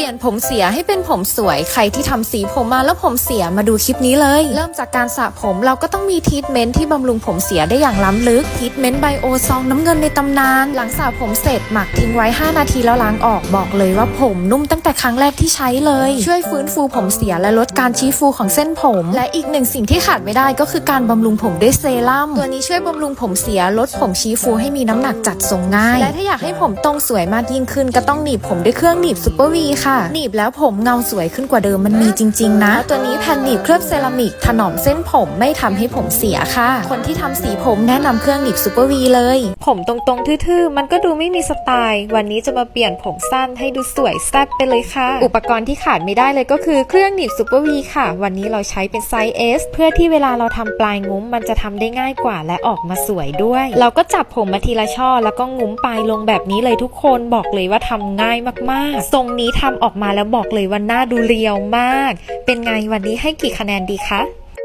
ลี่ยนผมเสียให้เป็นผมสวยใครที่ทำสีผมมาแล้วผมเสียมาดูคลิปนี้เลยเริ่มจากการสระผมเราก็ต้องมีทรีทเมนต์ที่บำรุงผมเสียได้อย่างล้ำลึกทรีทเมนต์ไบโอซองน้ำเงินในตำนานหลังสระผมเสร็จหมักทิ้งไว้5นาทีแล้วล้างออกบอกเลยว่าผมนุ่มตั้งแต่ครั้งแรกที่ใช้เลยช่วยฟื้นฟูผมเสียและลดการชี้ฟูของเส้นผมและอีกหนึ่งสิ่งที่ขาดไม่ได้ก็คือการบำรุงผมด้วยเซรั่มตัวนี้ช่วยบำรุงผมเสียลดผมชี้ฟูให้มีน้ำหนักจัดทรงง่ายและถ้าอยากให้ผมตรงสวยมากยิ่งขึ้นก็ต้องหนีบผมด้วยเครื่องหนีบซูเปอร์วีค่ะหนีบแล้วผมเงาสวยขึ้นกว่าเดิมมันมีจริงๆนะตัวนี้แผ่นหนีบเคลือบเซรามิกถนอมเส้นผมไม่ทำให้ผมเสียค่ะคนที่ทำสีผมแนะนำเครื่องหนีบซูเปอร์วีเลยผมตรงๆทื่อๆมันก็ดูไม่มีสไตล์วันนี้จะมาเปลี่ยนผมสั้นให้ดูสวยแซ่บไปเลยค่ะอุปกรณ์ที่ขาดไม่ได้เลยก็คือเครื่องหนีบซูเปอร์วีค่ะวันนี้เราใช้เป็นไซส์ S เพื่อที่เวลาเราทำปลายงุ้มมันจะทำได้ง่ายกว่าและออกมาสวยด้วยเราก็จับผมมาทีละช่อแล้วก็งุ้มปลายลงแบบนี้เลยทุกคนบอกเลยว่าทำง่ายมากๆทรงนี้ทำออกมาแล้วบอกเลยว่าหน้าดูเรียวมากเป็นไงวันนี้ให้กี่คะแนนดีคะ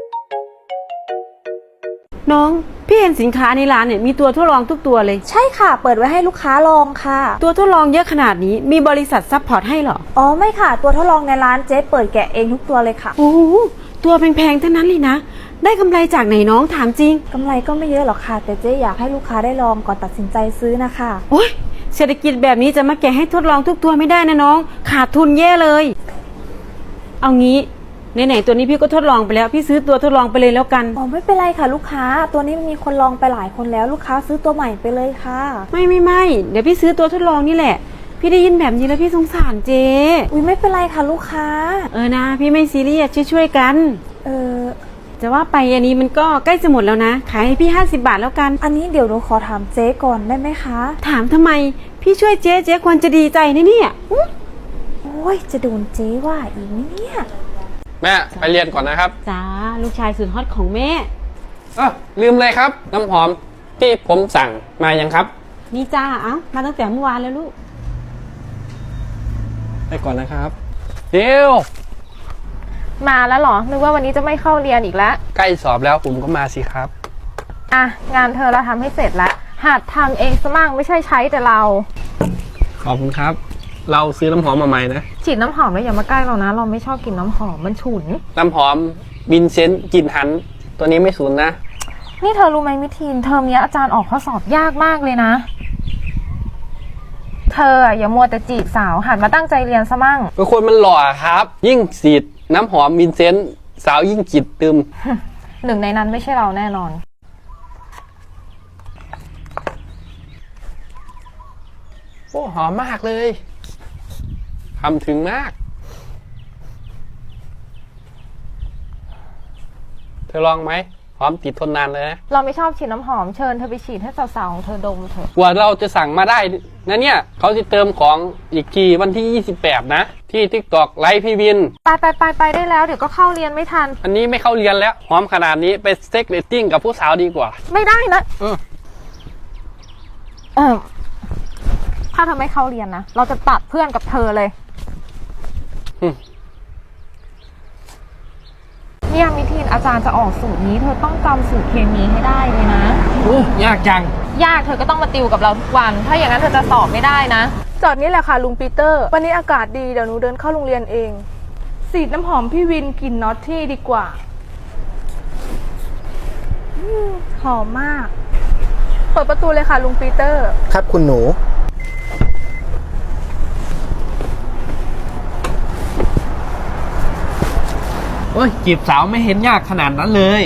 น้องพี่เห็นสินค้าในร้านเนี่ยมีตัวทดลองทุกตัวเลยใช่ค่ะเปิดไว้ให้ลูกค้าลองค่ะตัวทดลองเยอะขนาดนี้มีบริษัทซัพพอร์ตให้เหรออ๋อไม่ค่ะตัวทดลองในร้านเจ๊เปิดแกะเองทุกตัวเลยค่ะโอ้โหตัวแพงๆทั้งนั้นเลยนะได้กำไรจากไหนน้องถามจริงกำไรก็ไม่เยอะหรอกค่ะแต่เจ๊อยากให้ลูกค้าได้ลองก่อนตัดสินใจซื้อนะคะโอ้ยเศรษฐกิจแบบนี้จะมาแกะให้ทดลองทุกตัวไม่ได้นะน้องขาดทุนแย่เลยเอางี้ไหนๆตัวนี้พี่ก็ทดลองไปแล้วพี่ซื้อตัวทดลองไปเลยแล้วกันอ๋อไม่เป็นไรค่ะลูกค้าตัวนี้มันมีคนลองไปหลายคนแล้วลูกค้าซื้อตัวใหม่ไปเลยค่ะไม่เดี๋ยวพี่ซื้อตัวทดลองนี่แหละพี่ได้ยินแบบนี้แล้วพี่สงสารเจ๊อุ้ยไม่เป็นไรค่ะลูกค้านะพี่ไม่ซีเรียสช่วยกันจะว่าไปอันนี้มันก็ใกล้จะหมดแล้วนะขายให้พี่50 บาทแล้วกันอันนี้เดี๋ยวหนูขอถามเจ๊ก่อนได้ไหมคะถามทำไมพี่ช่วยเจ๊ควรจะดีใจนะเนี่ยโอ้ยจะโดนเจ๊ว่าอีกไหมเนี่ยแม่ไปเรียนก่อนนะครับจ้าลูกชายสุดฮอตของแม่ลืมเลยครับน้ำหอมที่ผมสั่งมายังครับนี่จ้ามาตั้งแต่เมื่อวานแล้วลูกไปก่อนนะครับเดี๋ยวมาแล้วเหรอนึกว่าวันนี้จะไม่เข้าเรียนอีกแล้วใกล้สอบแล้วผมก็มาสิครับงานเธอเราทำให้เสร็จแล้วหัดทำเองซะมั่งไม่ใช่ใช้แต่เราขอบคุณครับเราซื้อน้ำหอมมาใหม่นะฉีดน้ำหอมแล้วอย่ามาใกล้เรานะเราไม่ชอบกลิ่นน้ำหอมมันฉุนน้ำหอมวินเซนต์กลิ่นหันตัวนี้ไม่สูญนะนี่เธอรู้ไหมมิทีนเทอมนี้อาจารย์ออกข้อสอบยากมากเลยนะเธออย่ามัวแต่จีบสาวหันมาตั้งใจเรียนซะมั่งเป็นคนมันหล่อครับยิ่งฉีดน้ำหอมวินเซนต์สาวยิ่งจิตตึมหนึ่งในนั้นไม่ใช่เราแน่นอนโอ้หอมมากเลยทำถึงมากเธอลองไหมหอมติดทนนานเลยนะเราไม่ชอบฉีดน้ำหอมเชิญเธอไปฉีดให้สาวๆของเธอดมเถอะกว่าเราจะสั่งมาได้นะเนี่ยเขาจะเติมของอีกทีวันที่28นะที่ TikTok ไลฟ์พี่วินไปได้แล้วเดี๋ยวก็เข้าเรียนไม่ทันอันนี้ไม่เข้าเรียนแล้วหอมขนาดนี้ไปเซ็กเรตติ้งกับผู้สาวดีกว่าไม่ได้นะถ้าเธอไม่เข้าเรียนนะเราจะตัดเพื่อนกับเธอเลยเนี่ยมิทีนอาจารย์จะออกสูตรนี้เธอต้องจำสูตรเคมีให้ได้เลยนะยากจังยากเธอก็ต้องมาติวกับเราทุกวันถ้าอย่างนั้นเธอจะสอบไม่ได้นะจอดนี่แหละค่ะลุงปีเตอร์วันนี้อากาศดีเดี๋ยวหนูเดินเข้าโรงเรียนเองสีดน้ำหอมพี่วินกลิ่นน็อตที่ดีกว่าหอมมากเปิดประตูเลยค่ะลุงปีเตอร์ครับคุณหนูโอ้ยจีบสาวไม่เห็นยากขนาดนั้นเลย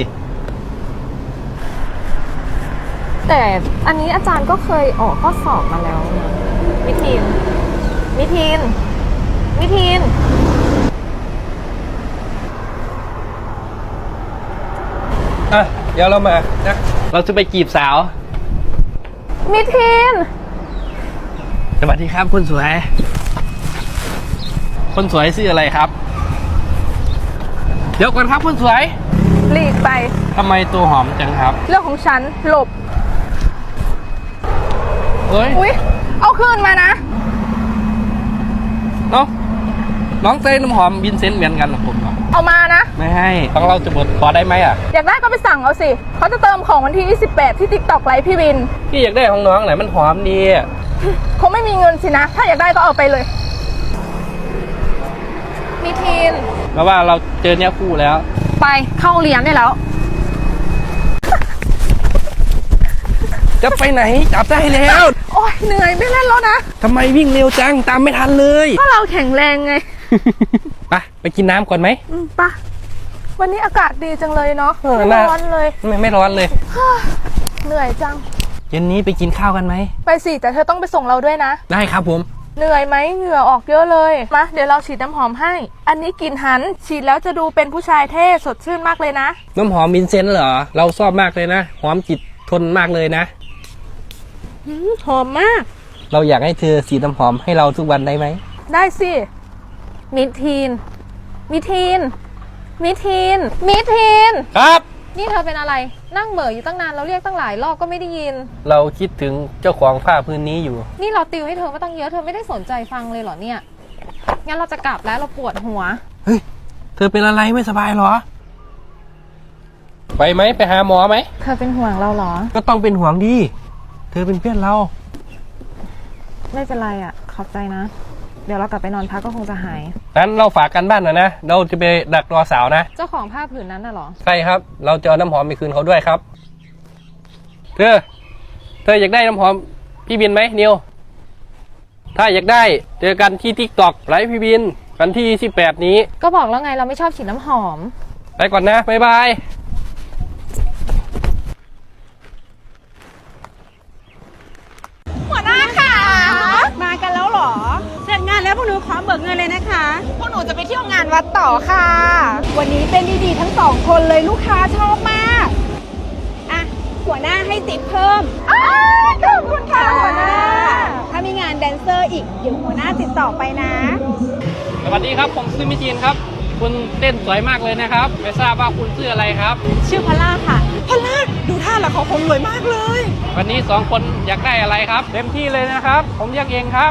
แต่อันนี้อาจารย์ก็เคยออกข้อสอบมาแล้วนะมิทีนเดี๋ยวเรามานะเราจะไปจีบสาวมิทีนสวัสดีครับคุณสวยคนสวยชื่ออะไรครับเดี๋ยวก่อนครับคุณสวยหลีกไปทำไมตัวหอมจังครับเรื่องของฉันหลบอุ๊ยเอาคืนมานะน้องใส่น้ำหอมวินเซนต์เหมือนกันหรอผมเอามานะไม่ให้ต้องเราจะบดขอได้ไหมอยากได้ก็ไปสั่งเอาสิเขาจะเติมของวันที่28ที่ TikTok ไลฟ์พี่วินพี่อยากได้ของน้องไหนมันหอมดีคงไม่มีเงินสินะถ้าอยากได้ก็เอาไปเลยแล้วว่าเราเจอเนี้ยคู่แล้วไปเข้าเรียนได้แล้วจะไปไหนจับได้แล้วโอ๊ยเหนื่อยไม่เล่นแล้วนะทำไมวิ่งเร็วจังตามไม่ทันเลยก็เราแข็งแรงไงไปกินน้ำก่อนไหมปะวันนี้อากาศดีจังเลยเนาะเออไม่ร้อนเลยไม่ร้อนเลยเหนื่อยจังเย็นนี้ไปกินข้าวกันไหมไปสิแต่เธอต้องไปส่งเราด้วยนะได้ครับผมเหนื่อยไหมเหงื่อออกเยอะเลยมาเดี๋ยวเราฉีดน้ำหอมให้ อันนี้กลิ่นหันฉีดแล้วจะดูเป็นผู้ชายเท่สดชื่นมากเลยนะน้ำหอมวินเซนต์เหรอ เราชอบมากเลยนะ หอมจิตทนมากเลยนะหอมมากเราอยากให้เธอสีน้ำหอมให้เราทุกวันได้ไหมได้สิมิทีน มิทีน มิทีน มิทีนครับนี่เธอเป็นอะไร นั่งเหม่ออยู่ตั้งนานเราเรียกตั้งหลายรอบก็ไม่ได้ยินเราคิดถึงเจ้าของผ้าพื้นนี้อยู่นี่เราติวให้เธอมาตั้งเยอะเธอไม่ได้สนใจฟังเลยเหรอเนี่ย งั้นเราจะกลับแล้วเราปวดหัวเฮ้ย เธอเป็นอะไรไม่สบายเหรอ ไปไหมไปหาหมอไหมเธอเป็นห่วงเราเหรอก็ต้องเป็นห่วงดี เธอเป็นเพื่อนเราไม่เป็นไรอ่ะ ขอบใจนะ เดี๋ยวเรากลับไปนอนพักก็คงจะหายนั้นเราฝากกันบ้านหน่อยนะ เราจะไปดักรอสาวนะเจ้าของผ้าผืนนั้นน่ะเหรอใช่ครับ เราจะเอาน้ำหอมไปคืนเขาด้วยครับ เธออยากได้น้ำหอมพี่บินไหมนิว ถ้าอยากได้เจอกันที่ TikTok ไลฟ์พี่บินวันที่28นี้ก็บอกแล้วไงเราไม่ชอบฉีดน้ำหอมไปก่อนนะ บ๊ายบายมากันแล้วเหรอ เสร็จงานแล้วพวกหนูขอเบิกเงินเลยนะคะพวกหนูจะไปเที่ยวงานวัดต่อค่ะ วันนี้เป็นดีๆทั้งสองคนเลยลูกค้าชอบมาก อ่ะ หัวหน้าให้ติปเพิ่มขอบคุณค่ะหัวหน้า ถ้ามีงานแดนเซอร์อีกเดี๋ยวหัวหน้าติดต่อไปนะสวัสดีครับผมชื่อมิจีนครับ คุณเต้นสวยมากเลยนะครับ ไม่ทราบว่าคุณชื่ออะไรครับชื่อพอลล่าค่ะ พอลล่าดูท่าแล้วเขาคงรวยมากเลยวันนี้2คนอยากได้อะไรครับ เต็มที่เลยนะครับ ผมเรียกเองครับ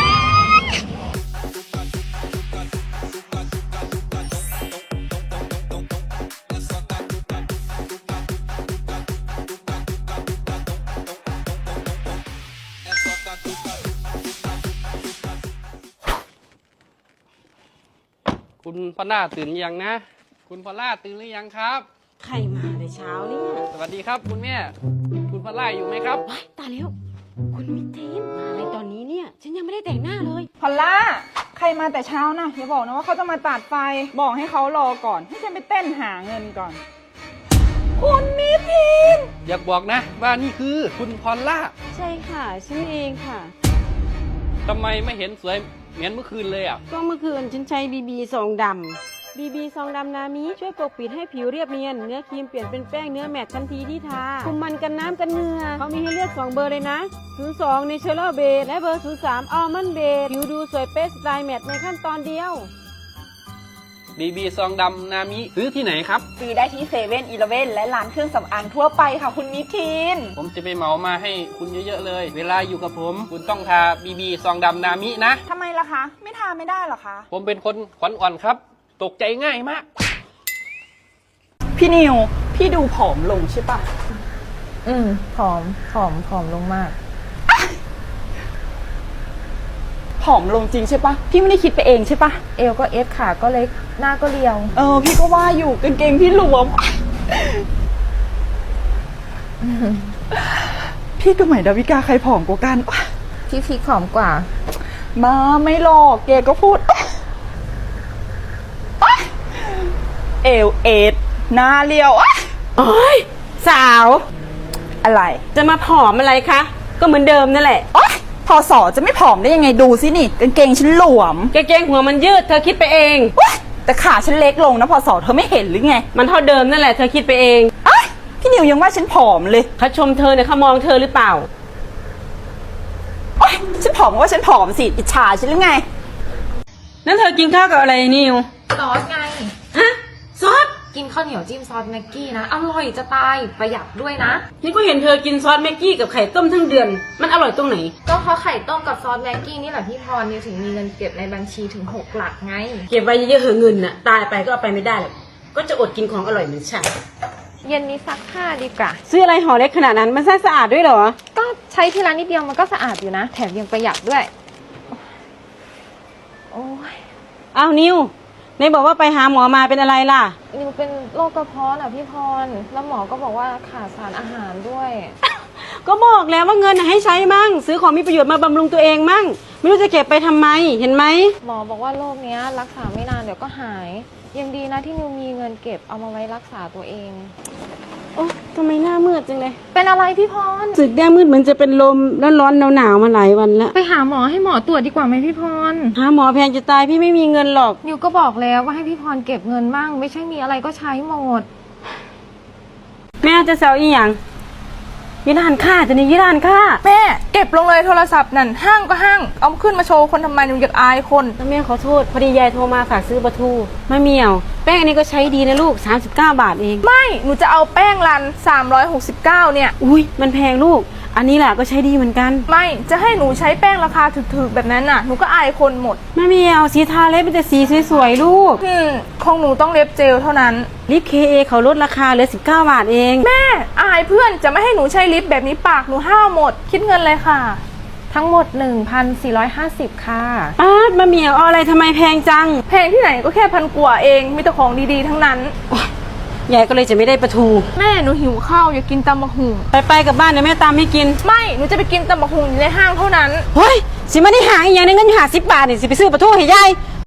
คุณพอลล่าตื่นยังนะ คุณพอลล่าตื่นหรือยังครับใครมาแต่เช้าเนี่ยสวัสดีครับคุณแม่ คุณพอลล่าอยู่ไหมครับว้ายตายแล้ว คุณมิทีนมาอะไรตอนนี้เนี่ย ฉันยังไม่ได้แต่งหน้าเลยพอลล่า ใครมาแต่เช้านะอย่าบอกนะว่าเขาจะมาตัดไฟ บอกให้เขารอก่อน ให้ฉันไปเต้นหาเงินก่อน คุณมิทีนอยากบอกนะว่านี่คือคุณพอลล่าใช่ค่ะ ฉันเองค่ะทำไมไม่เห็นสวยเหมือนเมื่อคืนเลยอ่ะก็เมื่อคืนฉันใช้บีบีซองดำบีบีซองดำนามิช่วยปกปิดให้ผิวเรียบเนียน เนื้อครีมเปลี่ยนเป็นแป้งเนื้อแมตต์ทันทีที่ทา คุมมันกันน้ำกันเหงื่อเขามีให้เลือก2เบอร์เลยนะ 02 Natural Base และเบอร์ 03 Almond Base ผิวดูสวยเป๊ะสไตล์แมตต์ในขั้นตอนเดียวบีบีซองดำนามิซื้อที่ไหนครับซื้อได้ที่เซเว่นอีเลฟเว่นและร้านเครื่องสำอางทั่วไปค่ะคุณมิทีนผมจะไปเหมามาให้คุณเยอะๆเลย เวลาอยู่กับผม คุณต้องทาบีบีซองดำนามินะทำไมล่ะคะ ไม่ทาไม่ได้หรอคะผมเป็นคนขวัญอ่อนครับ ตกใจง่ายมากพี่นิว พี่ดูผอมลงใช่ปะผอมลงมากผอมลงจริงใช่ปะพี่ไม่ได้คิดไปเองใช่ปะเอวก็เอสขาก็เล็ก หน้าก็เรียวพี่ก็ว่าอยู่กางเกงพี่หลวม พี่กับใหม่ดาวิกาใครผอมกว่ากันพี่พีคผอมกว่ามาไม่หลอกแกก็พูด เอวเอดหน้าเรียวโอ้ยสาวอะไรจะมาผอมอะไรคะ ก็เหมือนเดิมนั่นแหละพอสอจะไม่ผอมได้ยังไงดูสินี่กางเกงฉันหลวมกางเกงหัวมันยืดเธอคิดไปเองแต่ขาฉันเล็กลงนะพอสอเธอไม่เห็นหรือไงมันเท่าเดิมนั่นแหละเธอคิดไปเองพี่นิวยังว่าฉันผอมเลยเขาชมเธอเนี่ยเขามองเธอหรือเปล่าฉันผอมก็ว่าฉันผอมสิอิจฉาฉันหรือไงนั่นเธอกินข้าวกับอะไรนิวซอสไงฮะ ซอสกินข้าวเหนียวจิ้มซอสแม็กกี้นะ อร่อยจะตาย ประหยัดด้วยนะนี่ก็เห็นเธอกินซอสแม็กกี้กับไข่ต้มทั้งเดือน มันอร่อยตรงไหนก็เพราะไข่ต้มกับซอสแม็กกี้นี่แหละพี่พรนิวถึงมีเงินเก็บในบัญชีถึง6 หลักไงเก็บไว้เยอะๆเหอะเงินน่ะ ตายไปก็เอาไปไม่ได้หรอก ก็จะอดกินของอร่อยเหมือนฉันเย็นนี้ซักผ้าดีกว่าซื้ออะไรห่อเล็กขนาดนั้นมันสะอาดด้วยเหรอก็ใช้ทีละนิดเดียวมันก็สะอาดอยู่นะ แถมยังประหยัดด้วย โอ้ยอ้าวนิวไหนบอกว่าไปหาหมอมาเป็นอะไรล่ะนิวเป็นโรคกระเพาะน่ะพี่พร แล้วหมอก็บอกว่าขาดสารอาหารด้วยก็บอกแล้วว่าเงินน่ะให้ใช้มั่ง ซื้อของมีประโยชน์มาบำรุงตัวเองมั่ง ไม่รู้จะเก็บไปทำไม เห็นไหมหมอบอกว่าโรคเนี้ยรักษาไม่นานเดี๋ยวก็หาย ยังดีนะที่นิวมีเงินเก็บเอามาไว้รักษาตัวเองโอ้ทำไมหน้ามืดจังเลยเป็นอะไรพี่พรรู้สึกหน้ามืดเหมือนจะเป็นลมร้อนๆหนาวๆมาหลายวันแล้วไปหาหมอให้หมอตรวจดีกว่าไหมพี่พรหาหมอแพงจะตายพี่ไม่มีเงินหรอกนิวก็บอกแล้วว่าให้พี่พรเก็บเงินบ้าง ไม่ใช่มีอะไรก็ใช้หมดแม่จะเซลอีหยังยี่ร้านค่าจะนี่ยี่ร้านค่าแม่เก็บลงเลยโทรศัพท์นั่นห้างก็ห้าง เอาขึ้นมาโชว์คนทำไมหนูอยากอายคนแม่ขอโทษพอดียายโทรมาฝากซื้อปลาทูมะเหมี่ยว แป้งอันนี้ก็ใช้ดีนะลูก39 บาทเองไม่หนูจะเอาแป้งรัน369เนี่ยอุ้ยมันแพงลูก อันนี้แหละก็ใช้ดีเหมือนกันไม่จะให้หนูใช้แป้งราคาถูกๆแบบนั้นน่ะหนูก็อายคนหมดมะเหมี่ยวสีทาเล็บเป็นแต่สีสวยๆลูกของหนูต้องเล็บเจลเท่านั้นลิป KA เขาลดราคาเหลือ19 บาทเองแม่อายเพื่อนจะไม่ให้หนูใช้ลิปแบบนี้ปากหนูห้าวหมด คิดเงินเลยค่ะ ทั้งหมด 1,450 ค่ะป้ามะเหมี่ยวเอาอะไรทำไมแพงจังแพงที่ไหนก็แค่พันกว่าเองมีแต่ของดีๆทั้งนั้นยายก็เลยจะไม่ได้ปลาทูแม่หนูหิวข้าวอยากกินตำบักหุ่งไปกับบ้านเดี๋ยวแม่ตามให้กินไม่หนูจะไปกินตำบักหุ่งอยู่ในห้างเท่านั้นเฮ้ยสิมาได้หาอีกอย่างหนึงเงินอยู่50 บาทนี่สิไปซื้อปลาทูให้ยาย